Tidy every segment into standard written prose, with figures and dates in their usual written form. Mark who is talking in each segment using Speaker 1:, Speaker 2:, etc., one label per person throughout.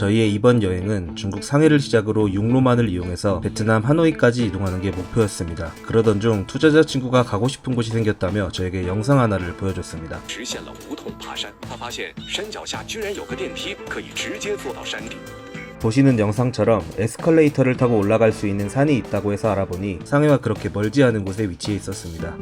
Speaker 1: 저희의 이번 여행은 중국 상해를 시작으로 육로만을 이용해서 베트남 하노이까지 이동하는 게 목표였습니다. 그러던 중 투자자 친구가 가고 싶은 곳이 생겼다며 저에게 영상 하나를 보여줬습니다.
Speaker 2: 实现了无痛爬山，他发现山脚下居然有个电梯，可以直接坐到山顶。
Speaker 1: 보시는 영상처럼 에스컬레이터를 타고 올라갈 수 있는 산이 있다고 해서 알아보니 상해와 그렇게 멀지 않은 곳에 위치해 있었습니다.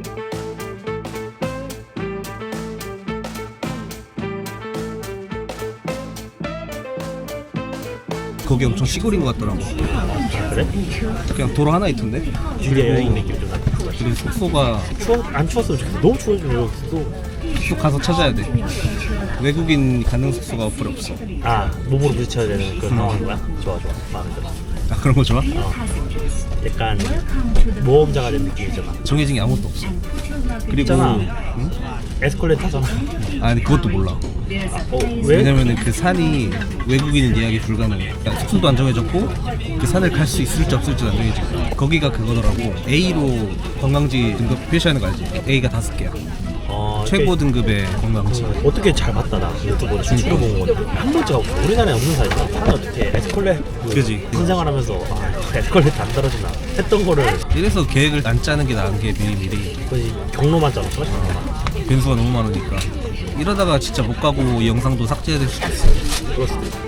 Speaker 1: 거기 엄청 시골인 것 같더라고.
Speaker 3: 그래?
Speaker 1: 그냥 도로 하나 있던데?
Speaker 3: 되게 여행 느낌 좀 나고.
Speaker 1: 그리고 숙소가
Speaker 3: 안 추웠으면 좋겠어. 너무 추워지면 여기 숙소.
Speaker 1: 또 가서 찾아야 돼. 외국인 가는 숙소가 어플에 없어.
Speaker 3: 아, 몸으로 부딪혀야 되는 그런 상황인 거야? 좋아. 마음에 들어.
Speaker 1: 아, 그런 거 좋아?
Speaker 3: 약간 모험자가 된 느낌이잖아.
Speaker 1: 정해진 게 아무것도 없어. 그리고
Speaker 3: 있잖아.
Speaker 1: 응?
Speaker 3: 에스컬레이터 타잖아.
Speaker 1: 아니 그것도 몰라.
Speaker 3: 왜?
Speaker 1: 왜냐면은 그 산이 외국인은 예약이 불가능해. 그러니까 숙소도 안 정해졌고 그 산을 갈 수 있을지 없을지도 안 정해지고. 거기가 그거더라고. A로 관광지 등급 표시하는 거 알지? A가 5개야. 최고 등급의 관광지.
Speaker 3: 어떻게 잘 봤다 나 유튜브로 추천해 본 건데 한 번째 가고 우리나라에 없는 사이야. 사람이 어떻게 에스컬레이터
Speaker 1: 그지.
Speaker 3: 신생활 하면서 에스컬레이터 안 떨어지나 했던 거를
Speaker 1: 이래서 계획을 안 짜는 게 나은 게 미리미리.
Speaker 3: 거의 경로만 짜놨어.
Speaker 1: 변수가 너무 많으니까. 이러다가 진짜 못 가고 이 영상도 삭제될 수도 있어.
Speaker 3: 그럴 수도 있어.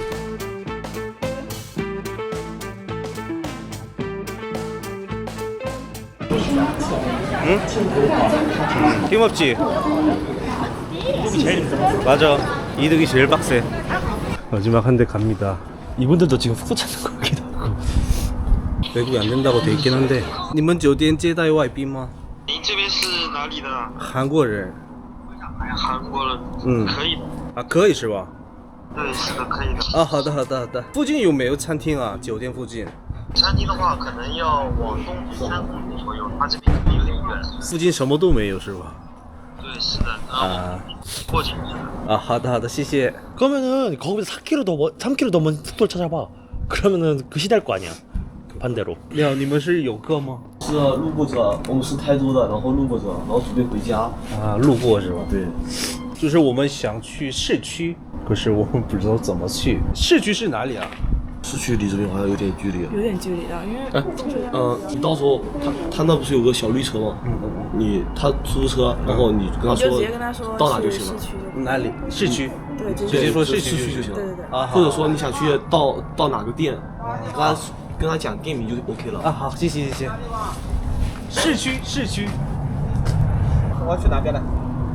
Speaker 1: 응? 힘없지?
Speaker 3: 이게 제일 힘들어.
Speaker 1: 맞아. 이득이 제일 빡세. 마지막 한 대 갑니다.
Speaker 3: 이분들도 지금 숙소 찾는 거 같기도 하고.
Speaker 1: 외국이 안 된다고 돼 있긴 한데. 你们酒店接待外宾吗?
Speaker 4: 您这边是哪里的？
Speaker 1: 韩国人。
Speaker 4: 韩国人，可以的。
Speaker 1: 啊，可以是吧？
Speaker 4: 对，是的，可以的。
Speaker 1: 啊，好的，好的，好的。附近有没有餐厅啊？酒店附近？
Speaker 4: 餐厅的话，可能要往东3公里左右，它这边可能有点远。
Speaker 1: 附近什么都没有是吧？
Speaker 4: 对，是的，然后过去。
Speaker 1: 아, 好的，好的，谢谢。
Speaker 3: 그러면은 거기서 3km 더 먼 숙소를 찾아봐. 그러면은 그 시대일 거 아니야. 반대로.
Speaker 1: 你好，你们是游客吗？
Speaker 5: 是路过者，我们是台州的，然后路过者，然后准备回家。
Speaker 1: 啊，路过是吧？
Speaker 5: 对，
Speaker 1: 就是我们想去市区，可是我们不知道怎么去。市区是哪里啊？
Speaker 5: 市区离这边好像有点距离。
Speaker 6: 有点距离的，因为
Speaker 5: 你到时候他那不是有个小绿车吗？他出租车，然后你跟他说
Speaker 6: 就直接跟他说
Speaker 5: 到哪就行了。
Speaker 6: 去市区就
Speaker 1: 哪里？市区。
Speaker 6: 对，
Speaker 1: 直接说市
Speaker 5: 市
Speaker 1: 区
Speaker 5: 区就行了。
Speaker 6: 对对对
Speaker 1: 啊，
Speaker 5: 或者说你想去到哪个店，跟他讲店名就 OK 了。
Speaker 1: 啊，好，谢谢谢谢。市区市区。
Speaker 7: 我要去哪边呢？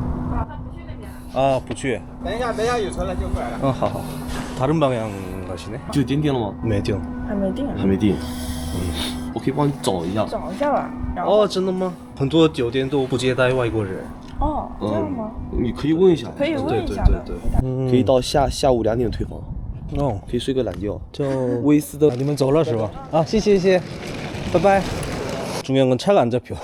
Speaker 1: 啊，不去。
Speaker 7: 等一下有车了就过来了。
Speaker 1: 嗯，好好。다른 방향 가시네?
Speaker 5: 就点点了吗？
Speaker 1: 没定。
Speaker 6: 还没定，
Speaker 5: 还没定。我可以帮你找一下。
Speaker 6: 找一下吧。然后
Speaker 1: 哦，真的吗？很多酒店都不接待外国人。
Speaker 6: 哦，这样吗？
Speaker 5: 你可以问一下。
Speaker 6: 可以问一下的。
Speaker 1: 对对对。
Speaker 5: 可以到下午2点退房，
Speaker 1: 哦，
Speaker 5: 可以睡个懒觉。
Speaker 1: 就
Speaker 5: 威斯的
Speaker 1: 你们走了是吧？啊，谢谢谢谢，拜拜。 중요한 건 차가 안 잡혀.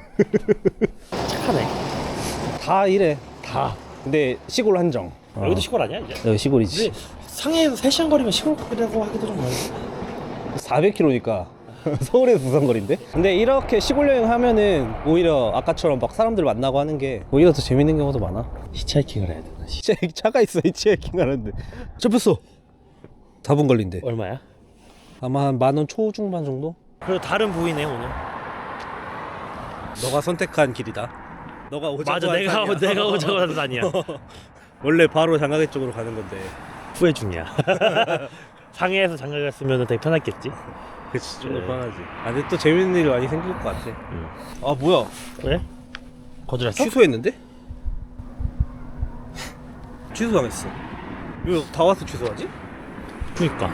Speaker 3: 착하네.
Speaker 1: 다 이래. 다. 근데 시골 한정.
Speaker 3: 여기도 시골 아니야 이제?
Speaker 1: 여기 시골이지.
Speaker 3: 상해에서 3시간 거리면 시골 같기도 하기도 좀 많이.
Speaker 1: 400km니까 서울에서 부산거리인데? 근데 이렇게 시골 여행 하면은 오히려 아까처럼 막 사람들 만나고 하는 게 오히려 더 재밌는 경우도 많아.
Speaker 3: 히치하이킹을 해야 되나?
Speaker 1: 차가 있어 히치하이킹 하는데. 잡혔어. 4분 걸린대.
Speaker 3: 얼마야?
Speaker 1: 아마 한 10,000원 초중반 정도?
Speaker 3: 그리고 다른 부위네 오늘.
Speaker 1: 너가 선택한 길이다. 너가 오자고
Speaker 3: 맞아,
Speaker 1: 한 산이야.
Speaker 3: 내가 오자고 하는 산이야.
Speaker 1: 원래 바로 장가게 쪽으로 가는 건데.
Speaker 3: 후회 중이야. 상해에서 장가 갔으면 되게 편했겠지.
Speaker 1: 그치, 좀 더
Speaker 3: 네.
Speaker 1: 편하지. 아, 근데 또 재밌는 일이 많이 생길 것 같아. 아, 뭐야?
Speaker 3: 왜? 거절했어?
Speaker 1: 취소했는데? 취소당했어. 왜 다 와서 취소하지?
Speaker 3: 그니까.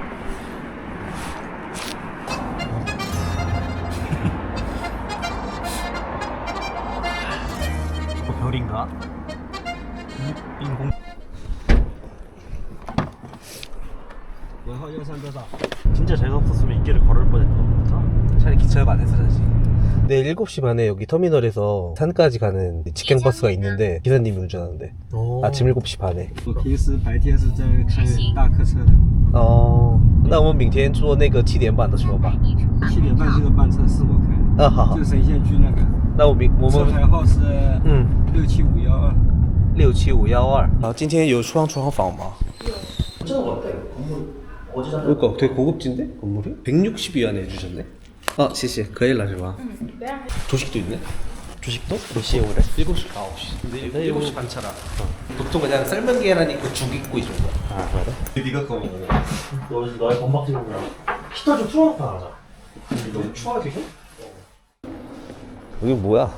Speaker 3: 별인가? 인공. 진짜 재수 없었으면 이 길을 걸을 뻔했다.
Speaker 1: 차라리 기차가 안 해서 자지. 내일 7시 반에 여기 터미널에서 산까지 가는 직행버스가 있는데 기사님이 운전하는데 아침 7시 반에.
Speaker 7: 我平时白天是在开大客车的。
Speaker 1: 那我们明天坐那个7点半的车吧。
Speaker 7: 7点半这个班车是我开的。
Speaker 1: 好。
Speaker 7: 就神仙居那个。
Speaker 1: 那我们
Speaker 7: 车牌号是67512。
Speaker 1: 67512。好，今天有双床房吗？
Speaker 5: 这我
Speaker 1: 그러니까 되게 고급진데 건물이? 160위안에 해주셨네. 아, 谢谢. 可以了是吧? 조식도 있네.
Speaker 3: 주식도? 몇 시에 오래?
Speaker 1: 7시, 9시. 근데 7시 반 차라. 보통 그냥 삶은 계란 있고 죽 있고 이 정도.
Speaker 3: 아 그래?
Speaker 1: 네가 그거 먹어.
Speaker 3: 너의 건박지구나. 히터 좀 틀어놓고 나가자.
Speaker 1: 너무 추워 지금? 여기 뭐야?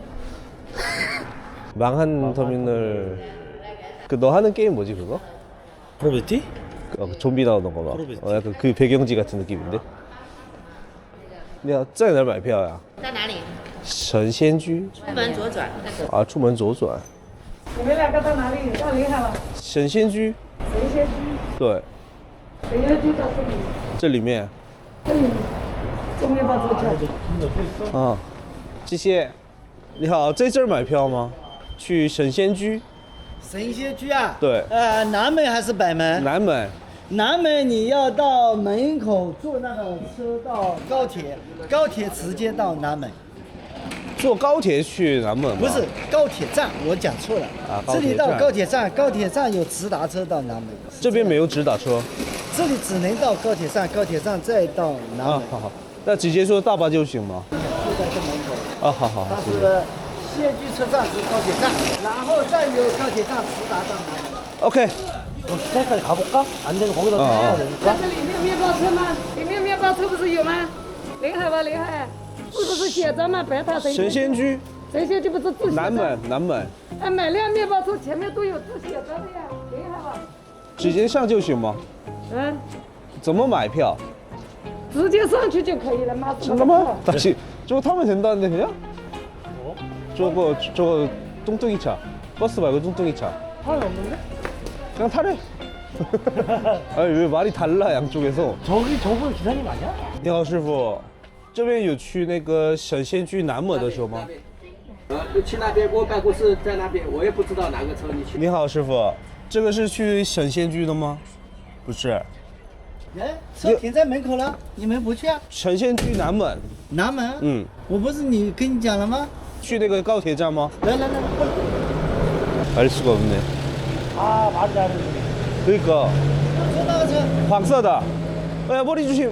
Speaker 1: 망한 터미널. 그 너 하는 게임 뭐지 그거?
Speaker 3: 프로베티?
Speaker 1: 그 좀비 나오는 거 봐.
Speaker 3: 프로베티.
Speaker 1: 약간 그 배경지 같은 느낌인데. 你要在哪儿买票呀？
Speaker 8: 在哪里？
Speaker 1: 神仙居
Speaker 8: 出门左转。
Speaker 1: 啊，出门左转。
Speaker 6: 你们两个到哪里？到临海了。
Speaker 1: 神仙居，
Speaker 6: 神仙居，
Speaker 1: 对，
Speaker 6: 神仙居在这里，
Speaker 1: 这里面
Speaker 6: 这里，中面包左转。
Speaker 1: 啊，谢谢。你好，在这儿买票吗？去神仙居？
Speaker 9: 神仙居啊？
Speaker 1: 对，
Speaker 9: 南门还是北门？
Speaker 1: 南门。
Speaker 9: 南门你要到门口坐那个车到高铁，高铁直接到南门。
Speaker 1: 坐高铁去南门吗？
Speaker 9: 不是高铁站，我讲错了。
Speaker 1: 啊
Speaker 9: 这里到
Speaker 1: 高铁站
Speaker 9: 高铁站有直达车到南门。
Speaker 1: 这边没有直达车。
Speaker 9: 这里只能到高铁站，高铁站再到南门。
Speaker 1: 好好，那直接坐大巴就行吗？
Speaker 9: 就在这门口。
Speaker 1: 啊，好好好。
Speaker 9: 它是仙居车站是高铁站，然后再由高铁站直达到南门。
Speaker 1: OK。
Speaker 3: 시내까지 가볼까? 안 되면 거기다 타야 되니까.
Speaker 6: 这里面面包车吗？里面面包车不是有吗？临海吧，临海，是不是写着吗？白塔神
Speaker 1: 神仙居。
Speaker 6: 神仙居不是字写着？
Speaker 1: 南门，南门。
Speaker 6: 哎，买辆面包车前面都有字写着的呀，临海吧。
Speaker 1: 直接上就行吗？
Speaker 6: 嗯，
Speaker 1: 怎么买票？
Speaker 6: 直接上去就可以了吗？
Speaker 1: 잠깐만 다시 저거 타면 된다는데 그냥? 저거 뚱뚱이 차 버스 말고 뚱뚱이 차
Speaker 3: 사람이 없는데?
Speaker 1: 그냥 타래. 아니 왜 말이 달라 양쪽에서.
Speaker 3: 저분 기사님 아니야?
Speaker 1: 你好师傅这边有去那个神仙居南门的车吗？
Speaker 7: 就去那边，我办公室在那边，我也不知道哪个车你去。
Speaker 1: 你好师傅这个是去神仙居的吗？不是，
Speaker 9: 哎，车停在门口了，你们不去啊？
Speaker 1: 神仙居南门。
Speaker 9: 南门？
Speaker 1: 嗯，
Speaker 9: 我不是跟你讲了吗？
Speaker 1: 去那个高铁站吗？
Speaker 9: 来，
Speaker 1: 알 수가 없네.
Speaker 3: 아 말이 안 돼.
Speaker 1: 그러니까
Speaker 9: 坐那个车，
Speaker 1: 黄色的. 야 머리 조심.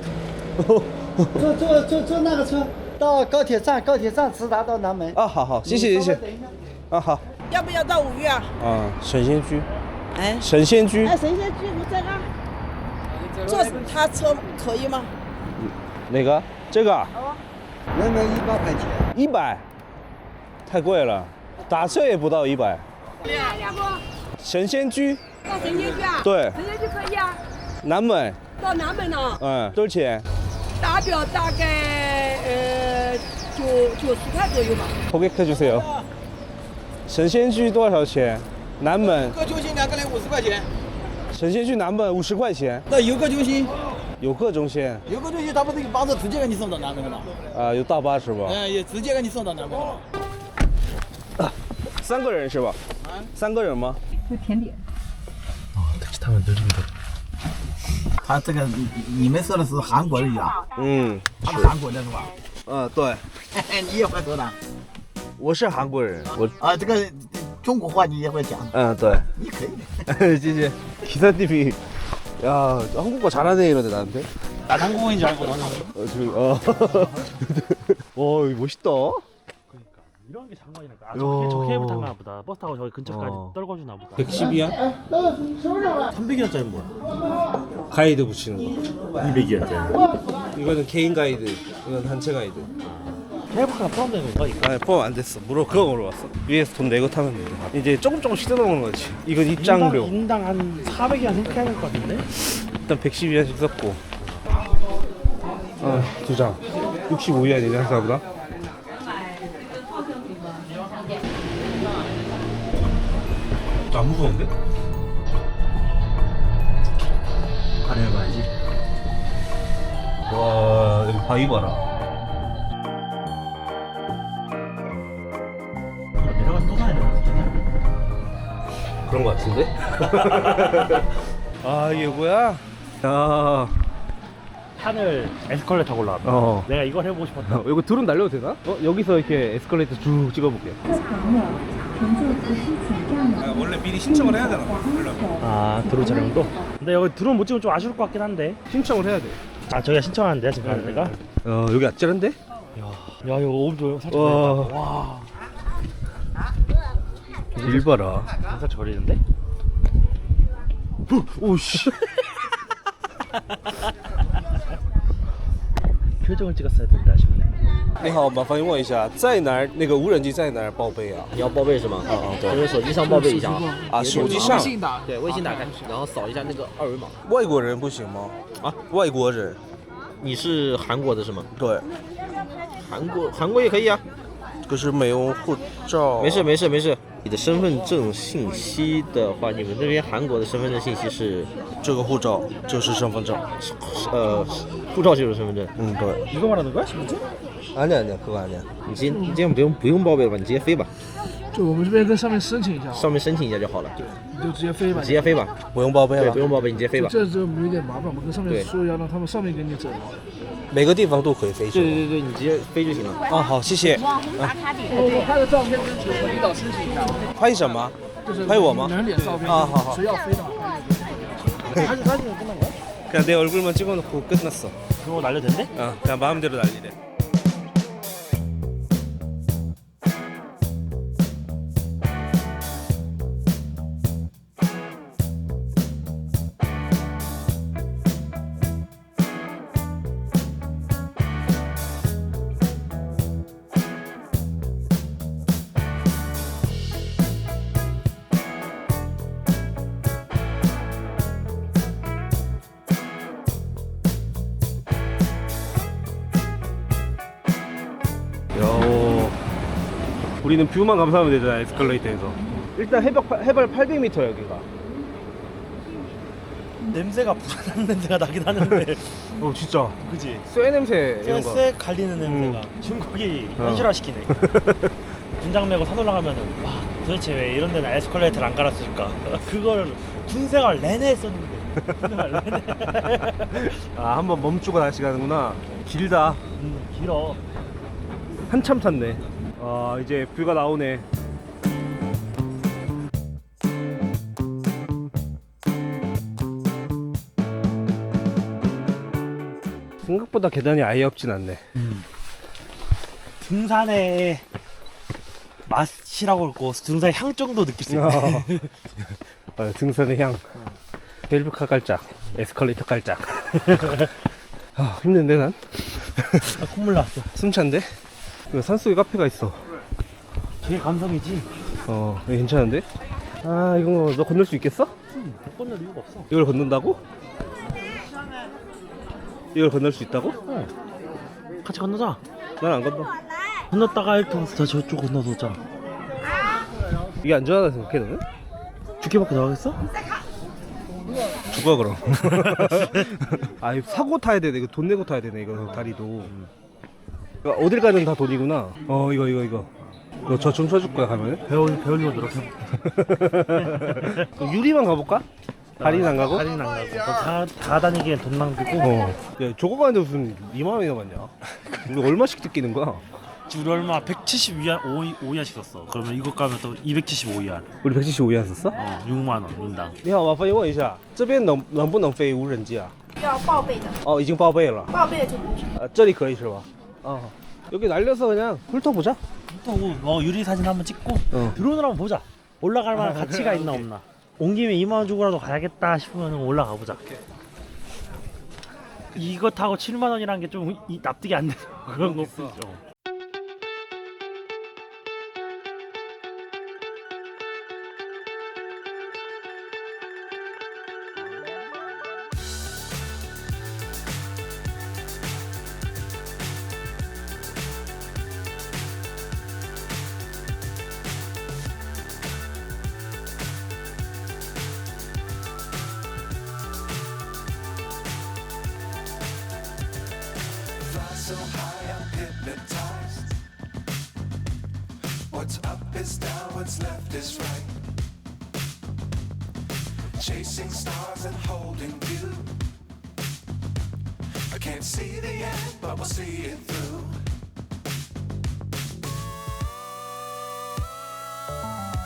Speaker 9: 坐那个车到高铁站，高铁站直达到南门。
Speaker 1: 啊，好好，谢谢谢谢。啊好。
Speaker 6: 要不要到5月啊？
Speaker 1: 啊，神仙居。
Speaker 6: 哎，
Speaker 1: 神仙居。
Speaker 6: 哎，神仙居你在那？坐他车可以吗？
Speaker 1: 哪个？这个？
Speaker 9: 人民100块钱。
Speaker 1: 100，太贵了，打车也不到100。
Speaker 6: 要不
Speaker 1: 神仙居。
Speaker 6: 到神仙居啊？
Speaker 1: 对。
Speaker 6: 神仙居可以啊。
Speaker 1: 南门。
Speaker 6: 到南门呢？
Speaker 1: 嗯，多少钱？
Speaker 6: 打表大概90块左右吧。
Speaker 1: 고객해 주세요. 神仙居多少钱？南门。
Speaker 7: 个中心2个人50块钱。
Speaker 1: 神仙居南门50块钱。
Speaker 7: 那游客中心，
Speaker 1: 游客中心。
Speaker 7: 游客中心他不是有巴士直接给你送到南门的吗？
Speaker 1: 啊，有大巴是吧？
Speaker 7: 也直接给你送到南门的。
Speaker 1: 3个人是吧？3个人吗？
Speaker 6: 就甜点。
Speaker 3: 택시 타면 늦은데.
Speaker 9: 他这个你们说的是韩国人啊？
Speaker 1: 嗯，
Speaker 9: 他是韩国的是吧？
Speaker 1: 对，
Speaker 9: 你也会说的？
Speaker 1: 我是韩国人，我
Speaker 9: 这个中国话你也会讲？
Speaker 1: 对。
Speaker 9: 你可以的。
Speaker 1: 진짜 기사님이 야 한국어 잘하네 이러네 나한테.
Speaker 3: 난 한국인인 줄 알고 너는.
Speaker 1: 와 이거 멋있다.
Speaker 3: 이런 게 장관이니까. 아, 저 케이블 타나 보다. 버스 타고 저기 근처까지 떨궈주나 보다.
Speaker 1: 110이야?
Speaker 3: 300원짜리 뭐야?
Speaker 1: 가이드 붙이는 거.
Speaker 3: 200원짜리.
Speaker 1: 이거는 개인 가이드, 이건 단체 가이드.
Speaker 3: 케이블카가 포함되는 건가 이거?
Speaker 1: 아니 포함 안 됐어. 그거 물어봤어. 위에서 돈 내고 타면 돼. 이제 조금씩 뜯어먹는 거지. 이건 입장료.
Speaker 3: 인당 한 400원 생각해야 될 것 같은데?
Speaker 1: 일단 110위안씩 썼고. 2장. 65위안이네 한 사람당. 안 무서운데?
Speaker 3: 가려봐야지.
Speaker 1: 와 여기 바위 봐라.
Speaker 3: 내려가서 또 가야 되나?
Speaker 1: 그런 거 같은데? 아 이게 뭐야? 야
Speaker 3: 산을 에스컬레이터 타고 올라왔다. 내가 이걸 해보고 싶었다.
Speaker 1: 이거 드론 날려도 되나? 여기서 이렇게 에스컬레이터 쭉 찍어볼게. 원래 미리 신청을 해야 되나 봐.
Speaker 3: 아 드론 촬영도? 근데 여기 드론 못 찍으면 좀 아쉬울 것 같긴 한데.
Speaker 1: 신청을 해야 돼.
Speaker 3: 아 저기가 신청하는데 지금 가는 데가?
Speaker 1: 여기 아찔한데?
Speaker 3: 야 이거 오브 살짝
Speaker 1: 와.
Speaker 3: 보인다. 와
Speaker 1: 일 봐라.
Speaker 3: 살짝 저리는데? 오씨 표정을 찍었어야 된다 싶네.
Speaker 1: 你好，麻烦问一下，在哪儿？那个无人机在哪儿报备啊？
Speaker 8: 你要报备是吗？对，就是手机上报备一下啊。
Speaker 1: 啊，手机上。
Speaker 8: 对，微信打开，然后扫一下那个二维码。
Speaker 1: 外国人不行吗？
Speaker 8: 啊，
Speaker 1: 外国人。
Speaker 8: 你是韩国的是吗？
Speaker 1: 对。
Speaker 8: 韩国也可以啊。
Speaker 1: 可是没有护照。
Speaker 8: 没事。你的身份证信息的话，你们这边韩国的身份证信息是
Speaker 1: 这个护照就是身份证。
Speaker 8: 护照就是身份证。
Speaker 1: 嗯，对。
Speaker 3: 이거 말하는 거야? 신분증?
Speaker 1: 아니야, 그거 아니야.
Speaker 8: 你今天不用报备了吧？你直接飞吧，
Speaker 10: 就我们这边跟上面申请一下，
Speaker 8: 上面申请一下就好了。对，
Speaker 10: 你就直接飞吧。
Speaker 8: 直接飞吧，
Speaker 1: 不用报备
Speaker 8: 对，
Speaker 1: 了
Speaker 8: 不。用报备，你直接飞吧。
Speaker 10: 这有点麻烦，我们跟上面
Speaker 8: 对
Speaker 10: 说要让他们上面给你整。
Speaker 1: 每个地方都可以飞是吗？
Speaker 8: 对，你直接飞就行了。
Speaker 1: 啊，好，谢谢。
Speaker 10: 我拍个照片跟我们领导申请一下，
Speaker 1: 拍什么？
Speaker 10: 就是
Speaker 1: 拍我吗？
Speaker 10: 你人脸照片
Speaker 1: 啊，好好。
Speaker 10: 谁要飞的话拍那个。
Speaker 1: 그냥 내 얼굴만 찍어놓고 끝났어.
Speaker 3: 그거 날려도 된대?
Speaker 1: 그냥 마음대로 날리래. 우리는 뷰만 감상하면 되잖아, 에스컬레이터에서. 일단 해발 800m 여기가.
Speaker 3: 냄새가 불안한 냄새가 나긴 하는데.
Speaker 1: 진짜.
Speaker 3: 그지?
Speaker 1: 쇠 냄새 이런 거.
Speaker 3: 쇠 갈리는 냄새가 중국이 현실화시키네. 분장 메고 산 올라가면은 와 도대체 왜 이런 데는 에스컬레이터를 안 깔았을까? 그걸 군생활 내내 했었는데. 군생활 내내.
Speaker 1: 아, 한번 멈추고 다시 가는구나. 길다.
Speaker 3: 길어.
Speaker 1: 한참 탔네. 아, 이제 뷰가 나오네. 생각보다 계단이 아예 없진 않네.
Speaker 3: 등산의 맛이라고 할거 등산의 향 정도 느낄 수 있네.
Speaker 1: 등산의 향. 벨브카 깔짝, 에스컬레이터 깔짝. 아, 힘든데 난?
Speaker 3: 콧물 났어.
Speaker 1: 숨찬데? 이거 산속에 카페가 있어.
Speaker 3: 되게 감성이지.
Speaker 1: 이거 괜찮은데? 아, 이거 너 건널 수 있겠어?
Speaker 3: 못 건널 이유가 없어.
Speaker 1: 이걸 건넌다고? 이걸 건널 수 있다고?
Speaker 3: 같이 건너자.
Speaker 1: 난 안 건너.
Speaker 3: 건넜다가 이렇게 와서 저쪽 건너서
Speaker 1: 이게 안전하다 생각해 너는?
Speaker 3: 죽게밖에 나가겠어?
Speaker 1: 죽어 그럼. 아, 이거 사고 타야 되네. 이거 돈 내고 타야 되네. 이거 다리도. 그러니까 어딜 가든 다 돈이구나. 이거. 너 저 좀 쳐줄 거야 가면?
Speaker 3: 배우려고 노력해.
Speaker 1: 유리만 가볼까? 다리는 안 가고?
Speaker 3: 다리는 안 가고. 다 다니기엔 돈 낭비고.
Speaker 1: 야, 저거 가는데 무슨 2만 원이나 받냐? 우리 얼마씩 뜯기는 거야?
Speaker 3: 우리 얼마 170위안 5위안씩 썼어. 그러면 이거 가면 또 275위안.
Speaker 1: 우리 175위안 썼어?
Speaker 3: 6만 원 인당.
Speaker 1: 你好，麻烦问一下，这边能不能飞无人机啊？
Speaker 11: 要报备的，
Speaker 1: 哦，已经报备了。
Speaker 11: 报备的就不是。
Speaker 1: 这里可以是吧？여기 날려서 그냥 훑어보자.
Speaker 3: 훑어보고 유리 사진 한번 찍고 드론을 한번 보자. 올라갈 만한 가치가 있나 없나. 온 김에 2만 원 주고라도 가야겠다 싶으면 올라가 보자. 이거 타고 7만 원이라는 게 좀 납득이 안 돼서 그런 거 있어.
Speaker 12: So high, I'm hypnotized. What's up is down, what's left is right. Chasing stars and holding you. I can't see the end, but we'll see it through.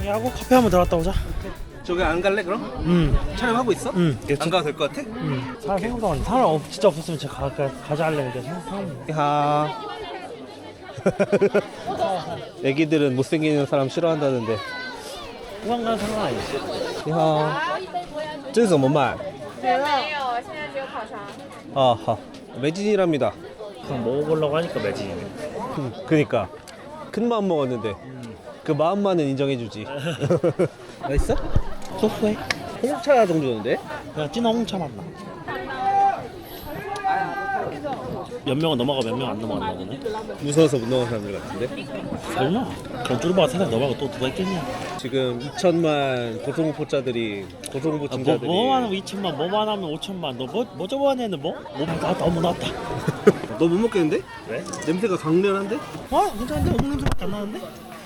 Speaker 3: 정리하고 커피 한번 들어갔다 오자.
Speaker 1: 저기 안 갈래 그럼? 촬영하고 있어?
Speaker 3: 응.
Speaker 1: 안 가도 될 것 같아?
Speaker 3: 사람 생각도 안 돼. 사람 진짜 없었으면 제가 가자 할래. 근데 사람
Speaker 1: 하. 애기들은 못생기는 사람 싫어한다는데.
Speaker 3: 후방 가는 상관 아니지.
Speaker 1: 你好，这是怎么买？
Speaker 6: 没有，现在只有烤肠。
Speaker 1: 아, 하. 매진이랍니다.
Speaker 3: 그냥 먹어보려고 하니까 매진이네.
Speaker 1: 그니까 큰 마음 먹었는데 그 마음만은 인정해주지. 맛있어? 소소해. 홍차 정도였는데?
Speaker 3: 그냥 진한 홍차 맛나. 몇 명은 넘어가 몇 명 안 넘어간다 보네.
Speaker 1: 무서워서 못 넘어간 사람들 같은데?
Speaker 3: 설마? 그럼 쭈르바가 세상 넘어가고 또 누가 있겠냐?
Speaker 1: 지금 2천만 고소공포자들이 고소공포증자들이
Speaker 3: 뭐만 하면 2천만, 뭐만 하면 5천만. 너 저번에는 뭐? 너무 나왔다.
Speaker 1: 너 못 먹겠는데?
Speaker 3: 왜?
Speaker 1: 냄새가 강렬한데?
Speaker 3: 괜찮은데? 오븐 냄새밖에 안 나는데?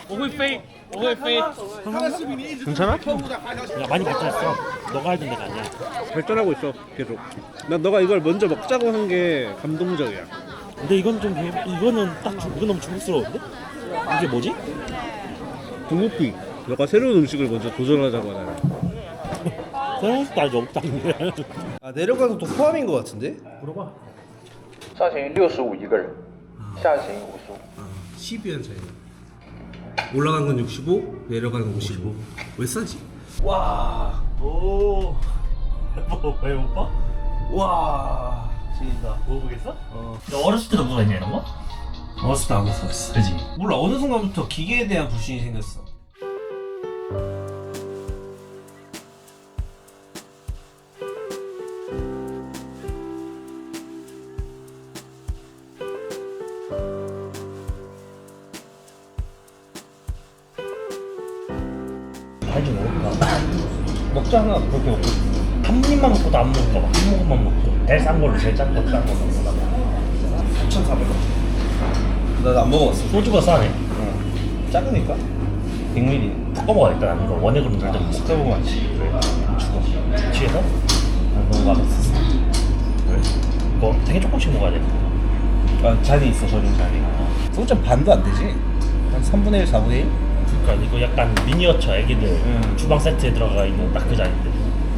Speaker 1: 괜찮아?
Speaker 3: 야, 많이 발전했어. 너가 알던 데가 아니야.
Speaker 1: 발전하고 있어 계속. 난 너가 이걸 먼저 먹자고 한 게 감동적이야.
Speaker 3: 근데 이건 좀 이거는 이건 너무 중국스러운데? 이게 뭐지?
Speaker 1: 중국비. 너가 새로운 음식을 먼저 도전하자고 하잖아.
Speaker 3: 새로운 것도 아직 없다.
Speaker 1: 아 내려가서 또 포함인 것 같은데?
Speaker 3: 물어봐.
Speaker 10: 上行65一个人，下行55。
Speaker 1: 12원 차이. 올라간 건 65, 내려가는 건 55. 왜 싸지? 와,
Speaker 3: 오. 왜 오빠?
Speaker 1: 와,
Speaker 3: 진짜 먹어보겠어? 너 어렸을 때도 먹었냐 이런 거?
Speaker 1: 어렸을 때 안 먹었어.
Speaker 3: 그지?
Speaker 1: 몰라 어느 순간부터 기계에 대한 불신이 생겼어.
Speaker 3: 알지 먹을까?
Speaker 1: 먹잖아 그렇게 먹고.
Speaker 3: 한 입만 먹고도 안 먹을까 봐. 한 모금만 먹고. 제일 싼 걸로 제일 짠 걸로 싼 걸로.
Speaker 1: 3,400원. 나도 안 먹어봤어.
Speaker 3: 소주가 싸네.
Speaker 1: 작으니까. 100ml.
Speaker 3: 섞어 먹어야겠다. 나는 이거 원액으로 절대 못 먹어.
Speaker 1: 섞어 먹어야지.
Speaker 3: 왜? 죽어. 취해서? 난 너무 맛없었어. 왜? 이거 되게 조금씩 먹어야 돼.
Speaker 1: 아 잔이 있어 저런 잔이. 소주 반도 안 되지. 한 3분의 1, 4분의 1?
Speaker 3: 그러니까 이거 약간 미니어처 애기들 주방 세트에 들어가 있는 딱 그 잔인데.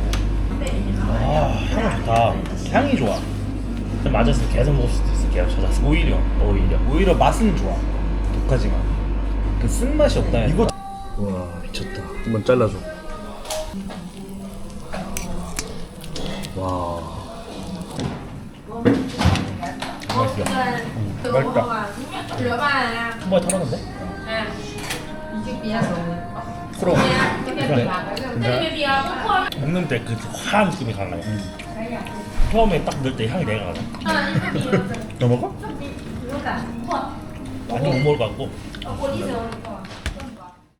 Speaker 3: 아 향이 좋다.
Speaker 1: 향이 좋아.
Speaker 3: 맞아서 계속 먹을 수도 있어. 계속 찾아서.
Speaker 1: 오히려 맛은 좋아. 독하지만 그 쓴맛이 없다. 이거
Speaker 3: 와 미쳤다.
Speaker 1: 한번 잘라줘. 와.
Speaker 3: 맛있다. 한 번에 털었는데?
Speaker 1: 프로.
Speaker 3: 먹는 때 그 화한 느낌이 강해요. 처음에 딱 넣을 때 향이 내가 가자. 너 먹어? 완전 못 먹을 것 같고.